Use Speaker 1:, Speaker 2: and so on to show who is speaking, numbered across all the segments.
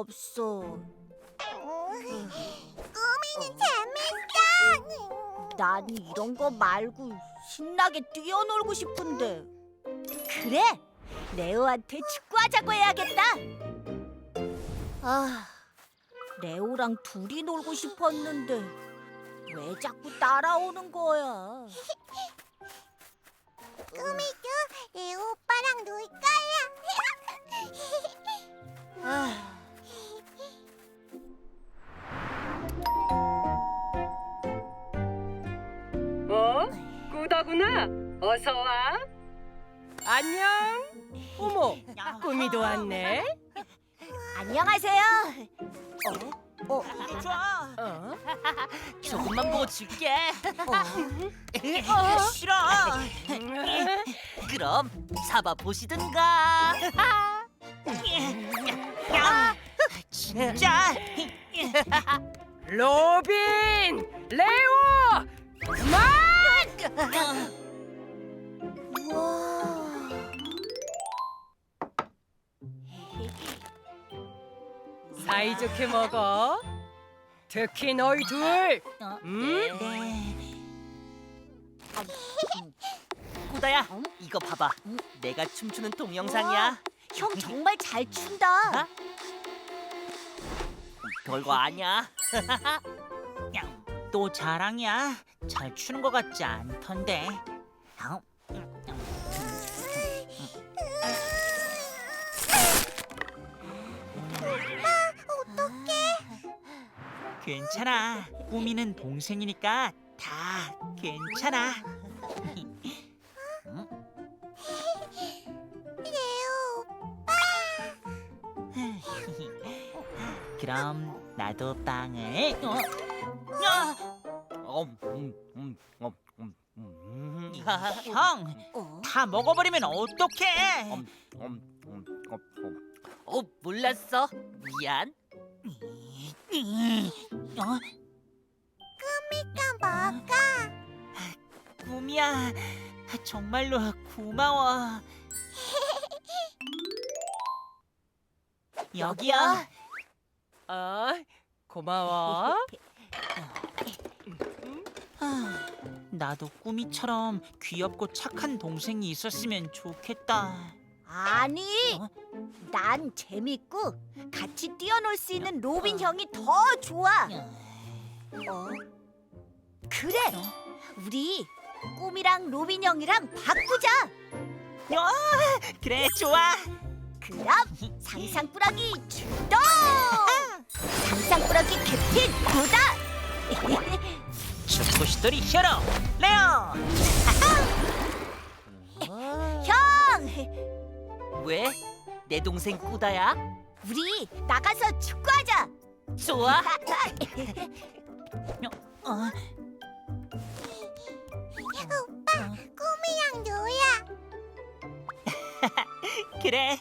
Speaker 1: 없어.
Speaker 2: 꾸미는 재밌어.
Speaker 1: 난 이런 거 말고 신나게 뛰어놀고 싶은데. 그래, 레오한테 축구하자고 해야겠다. 아, 레오랑 둘이 놀고 싶었는데 왜 자꾸 따라오는 거야?
Speaker 2: 꾸미도 레오 오빠랑 놀 거야.
Speaker 1: 아,
Speaker 3: 꾸다구나. 어서 와. 안녕. 어머, 꾸미도 왔네.
Speaker 1: 안녕하세요.
Speaker 4: 좋아.
Speaker 3: 어?
Speaker 4: 조금만 보고 줄게. 싫어. 그럼 잡아 보시든가. 진짜.
Speaker 3: 로빈, 레오, 그만! 사이좋게 먹어. 특히 너희 둘.
Speaker 4: 네. 꾸다야, 이거 봐봐. 내가 춤추는 동영상이야.
Speaker 1: 형 정말 잘 춘다.
Speaker 4: 어? 별거 아니야. 또 자랑이야. 잘 추는 것 같지 않던데. 괜찮아. 꾸미는 동생이니까 다 괜찮아.
Speaker 2: 레오
Speaker 4: 그럼 나도 빵을. 형, 다 먹어버리면 어떡해? 몰랐어. 미안.
Speaker 2: 꾸미가 먹어.
Speaker 4: 꿈이야. 정말로 고마워. 여기야.
Speaker 3: 고마워.
Speaker 4: 나도 꾸미처럼 귀엽고 착한 동생이 있었으면 좋겠다.
Speaker 1: 아니,
Speaker 4: 어?
Speaker 1: 난 재밌고 같이 뛰어놀 수 있는 로빈 형이 더 좋아. 그래, 우리 꿈이랑 로빈 형이랑 바꾸자.
Speaker 4: 그래, 좋아.
Speaker 1: 그럼 상상꾸러기 출동! 상상꾸러기 캡틴 구다!
Speaker 4: 축구시돌이 히어로 레오.
Speaker 1: 형!
Speaker 4: 왜? 내 동생 꾸다야?
Speaker 1: 우리 나가서 축구하자!
Speaker 4: 좋아.
Speaker 2: 오빠 꾸미랑 놀아.
Speaker 4: 그래.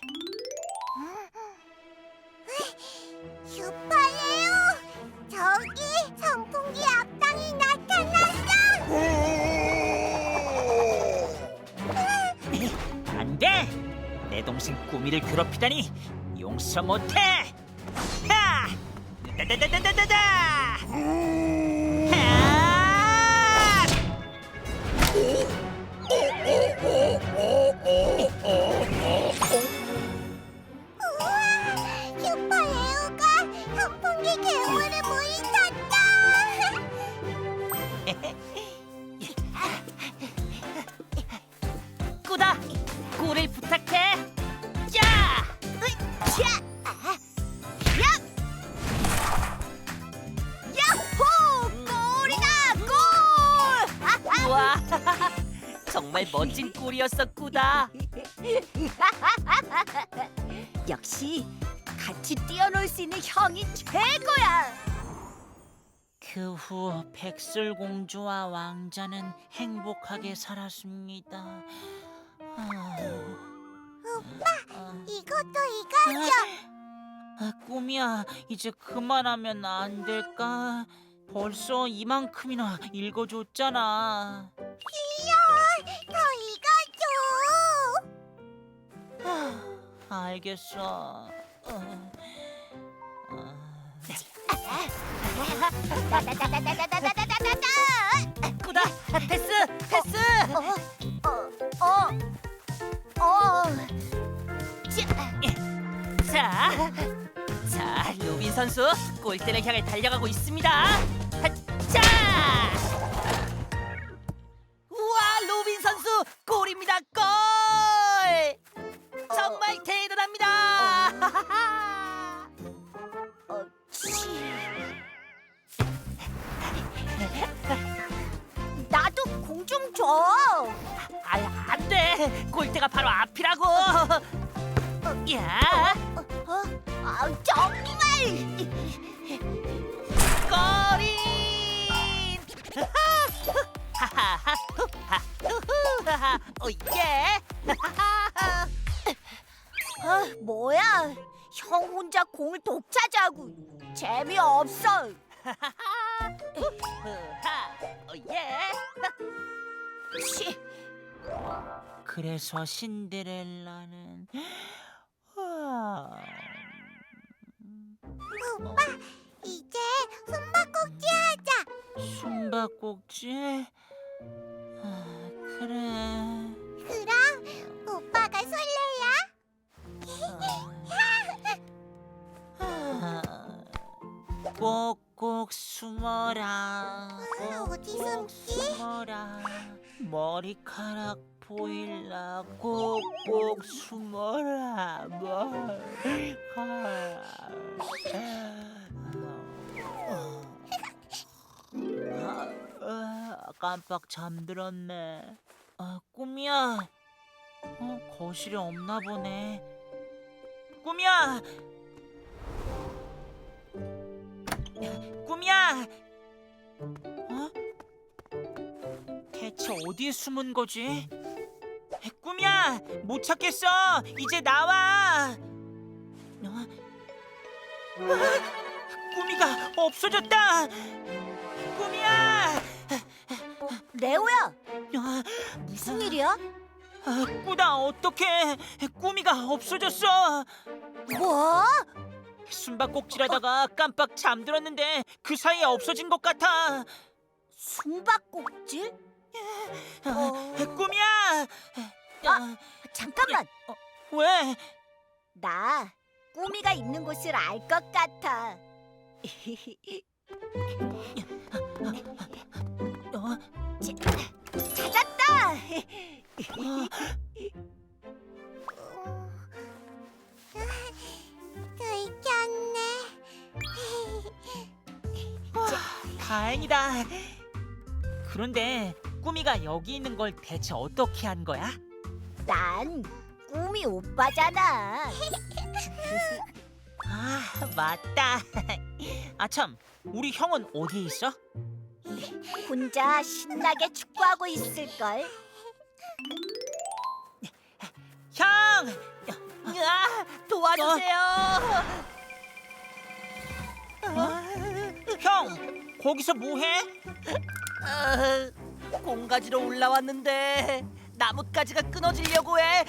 Speaker 2: 슈퍼레오 저기 선풍기 앞당이 나타났어.
Speaker 4: 안 돼. 내 동생 꾸미를 괴롭히다니 용서 못해. 하! 다다다다다다. 하!
Speaker 2: 우와 슈퍼레오가 선풍기 괴물을 물리쳤다.
Speaker 4: 꾸다, 꿀을 부탁해. 자!
Speaker 1: 야호! 골이다! 골!
Speaker 4: 우와, 정말 멋진 꿀이었어, 꾸다.
Speaker 1: 역시 같이 뛰어놀 수 있는 형이 최고야!
Speaker 4: 그 후 백설공주와 왕자는 행복하게 살았습니다.
Speaker 2: 이것도 이거죠.
Speaker 4: 꿈이야, 이제 그만하면 안 될까? 벌써 이만큼이나 읽어줬잖아.
Speaker 2: 더 이거죠.
Speaker 4: 알겠어.
Speaker 1: 나나나나나나나나나나나.
Speaker 4: 꾸다, 패스. 자, 로빈 선수 골대를 향해 달려가고 있습니다. 자, 우와, 로빈 선수 골입니다. 골! 정말 대단합니다.
Speaker 1: 나도 공 좀 줘.
Speaker 4: 안 돼. 골대가 바로 앞이라고. 야,
Speaker 1: 정말.
Speaker 4: 골인! 하하하, 후하, 오예!
Speaker 1: 뭐야? 형 혼자 공을 독차지하고 재미없어.
Speaker 4: 후하, 오예!
Speaker 1: 치.
Speaker 4: 그래서 신데렐라는
Speaker 2: 오빠, 이제 숨바꼭질 하자.
Speaker 4: 숨바꼭질? 그래.
Speaker 2: 그럼 오빠가 설레야?
Speaker 4: 꼭꼭 숨어라.
Speaker 2: 어디
Speaker 4: 꼭꼭
Speaker 2: 숨지?
Speaker 4: 숨어라. 머리카락 보일라. 꼭꼭 숨어라. 깜빡 잠들었네. 꿈이야. 거실에 없나 보네. 꿈이야. 꿈이야. 대체 어디에 숨은 거지? 꿈이야, 못 찾겠어. 이제 나와. 꿈이가 없어졌다. 꿈이야.
Speaker 1: 레오야, 무슨 일이야?
Speaker 4: 꾸다, 어떡해. 꿈이가 없어졌어.
Speaker 1: 뭐?
Speaker 4: 숨바꼭질하다가 깜빡 잠들었는데 그 사이에 없어진 것 같아.
Speaker 1: 숨바꼭질?
Speaker 4: 꿈이야.
Speaker 1: 잠깐만.
Speaker 4: 왜?
Speaker 1: 나 꾸미가 있는 곳을 알 것 같아. 찾았다.
Speaker 2: 들켰네.
Speaker 4: 다행이다. 그런데 꾸미가 여기 있는 걸 대체 어떻게 한 거야?
Speaker 1: 난 꾸미 오빠잖아.
Speaker 4: 맞다. 참, 우리 형은 어디에 있어?
Speaker 1: 혼자 신나게 축구하고 있을걸.
Speaker 4: 형! 도와주세요. 형, 거기서 뭐해? 공 가지러 올라왔는데 나뭇가지가 끊어지려고 해.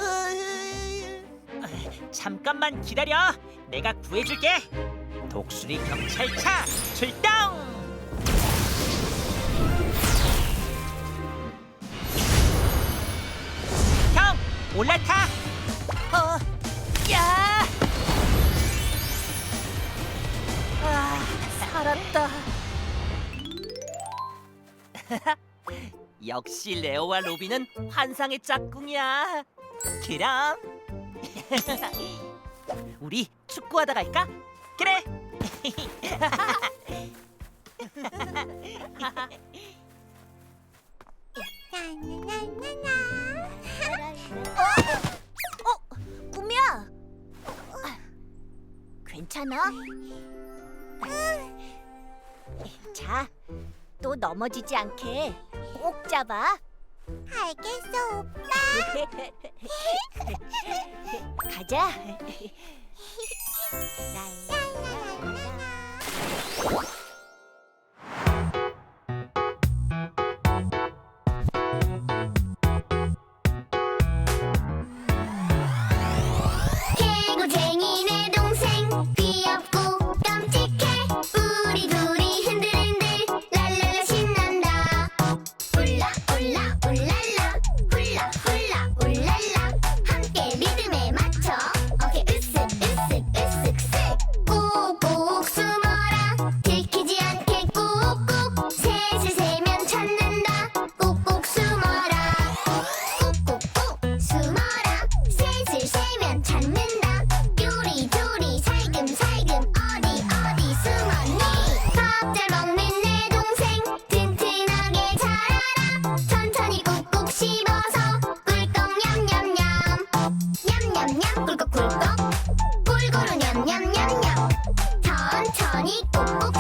Speaker 4: 잠깐만 기다려. 내가 구해줄게. 독수리 경찰차 출동! 형, 올라타. 야!
Speaker 1: 살았다.
Speaker 4: 역시 레오와 로비는 환상의 짝꿍이야. 그럼 우리 축구하다 갈까? 그래.
Speaker 1: 꾸미야. 괜찮아? 자, 또 넘어지지 않게 꼭 잡아.
Speaker 2: 알겠어, 오빠.
Speaker 1: 가자.
Speaker 2: 개구쟁이 내 동생 귀엽고 깜찍해 우리 둘이 천천히 꼭꼭